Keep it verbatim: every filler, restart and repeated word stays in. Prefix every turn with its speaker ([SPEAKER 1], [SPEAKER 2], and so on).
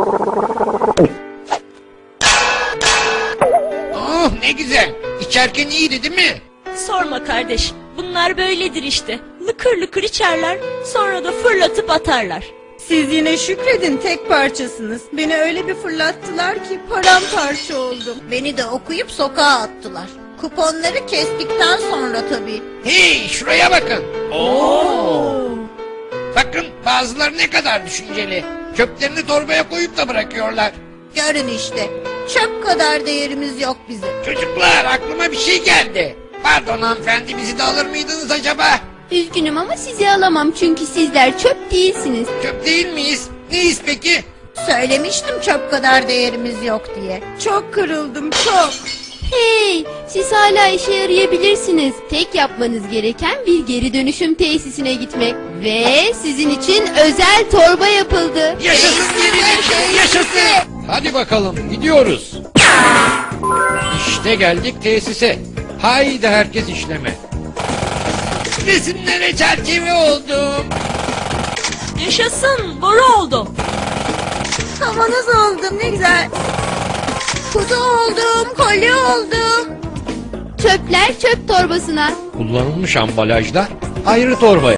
[SPEAKER 1] Oh ne güzel. İçerken iyiydi değil mi?
[SPEAKER 2] Sorma kardeş. Bunlar böyledir işte. Lıkır lıkır içerler, sonra da fırlatıp atarlar.
[SPEAKER 3] Siz yine şükredin, tek parçasınız. Beni öyle bir fırlattılar ki paramparça oldum.
[SPEAKER 4] Beni de okuyup sokağa attılar. Kuponları kestikten sonra tabii.
[SPEAKER 1] Hey şuraya bakın. Oo. Bakın bazıları ne kadar düşünceli. Çöplerini torbaya koyup da bırakıyorlar.
[SPEAKER 4] Görün işte. Çöp kadar değerimiz yok bizim.
[SPEAKER 1] Çocuklar aklıma bir şey geldi. Pardon hanımefendi, bizi de alır mıydınız acaba?
[SPEAKER 5] Üzgünüm ama sizi alamam çünkü sizler çöp değilsiniz.
[SPEAKER 1] Çöp değil miyiz? Neyiz peki?
[SPEAKER 4] Söylemiştim çöp kadar değerimiz yok diye.
[SPEAKER 3] Çok kırıldım, çok.
[SPEAKER 5] Hey, siz hala işe yarayabilirsiniz. Tek yapmanız gereken bir geri dönüşüm tesisine gitmek. Ve sizin için özel torba yapıldı.
[SPEAKER 1] Yaşasın geri dönüşüm, yaşasın. Hadi bakalım gidiyoruz. İşte geldik tesise. Haydi herkes işleme. Resimlere çerçeve oldum.
[SPEAKER 2] Yaşasın, boru oldum.
[SPEAKER 4] Kavanoz oldum, ne güzel. Kutu oldum, kolye oldum.
[SPEAKER 5] Çöpler çöp torbasına.
[SPEAKER 1] Kullanılmış ambalajlar ayrı torbaya.